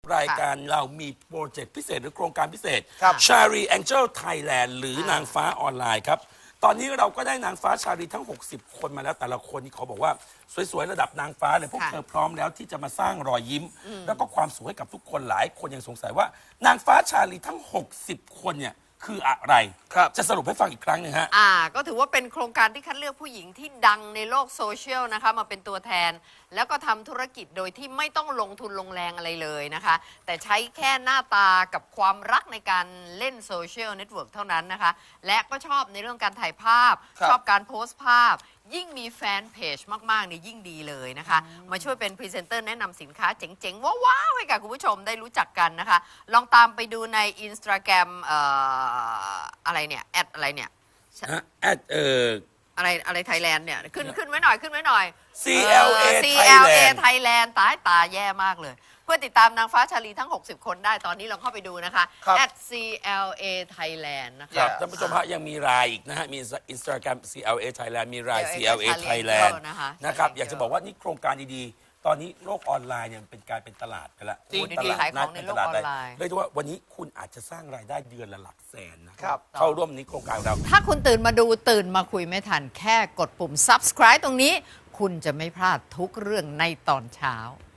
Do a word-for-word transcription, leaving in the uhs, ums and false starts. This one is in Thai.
รายการเรามีโปรเจกต์พิเศษหรือโครงการพิเศษครับชารีแองเจิลไทยแลนด์หรือนางฟ้าออนไลน์ครับ ตอนนี้เราก็ได้นางฟ้าชารีทั้ง หกสิบ คนมาแล้วแต่ละคนนี่เขาบอกว่าสวยๆ ระดับนางฟ้าเลยพวกค่ะเธอพร้อมแล้วที่จะมาสร้างรอยยิ้ม แล้วก็ความสุขให้กับทุกคนหลายคนยังสงสัยว่านางฟ้าชาลีทั้ง หกสิบ คนเนี่ยคืออะไรครับจะสรุปให้ฟังอีกครั้งหนึงฮะอ่าก็ถือว่าเป็นโครงการที่คัดเลือกผู้หญิงที่ดังในโลกโซเชียลนะคะมาเป็นตัวแทน แล้วก็ทำธุรกิจโดยที่ไม่ต้องลงทุนลงแรงอะไรเลยนะคะ แต่ใช้แค่หน้าตากับความรักในการเล่นโซเชียลเน็ตเวิร์กเท่านั้นนะคะ และก็ชอบในเรื่องการถ่ายภาพครับชอบการโพสต์ภาพ ยิ่งมีแฟนเพจมากๆเนี่ยยิ่งดีเลยนะคะ มาช่วยเป็นพรีเซนเตอร์แนะนำสินค้าเจ๋งๆ ว้าวๆให้กับคุณผู้ชมได้รู้จักกันนะคะ ลองตามไปดูในอินสตาแกรมเอ่ออะไรเนี่ยแอดอะไรเนี่ยแอดเอ่ออะไรอะไรไทยแลนด์เนี่ยขึ้นขึ้นไว้หน่อยขึ้นไว้หน่อยซี แอล เอซี แอล เอ Thailand ไทยแลนด์ตายตาแย่มากเลย เพื่อติดตามนางฟ้าชาลีทั้ง หกสิบ คนได้ตอนนี้ลองเข้าไปดูนะคะครับ at ซี แอล เอ Thailand นะครัคะบท่านผู้ชมฮะยังมีไลน์อีกนะฮะ มีอินสตาแกรม ซี แอล เอ Thailand มีไลน์ ซี แอล เอ Thailand นะคะนะครับ อยากจะบอกว่านี่โครงการดีๆ ตอนนี้โลกออนไลน์เนี่ยมันเป็นการเป็นตลาดไปแล้วจริงตลาดขายของในโลกออนไลน์เรียกได้ว่าวันนี้คุณอาจจะสร้างรายได้เดือนละหลักแสนนะครับ เข้าร่วมนี้โครงการของเราถ้าคุณตื่นมาดูตื่นมาคุยไม่ทันแค่กดปุ่ม subscribe ตรงนี้ คุณจะไม่พลาดทุกเรื่องในตอนเช้า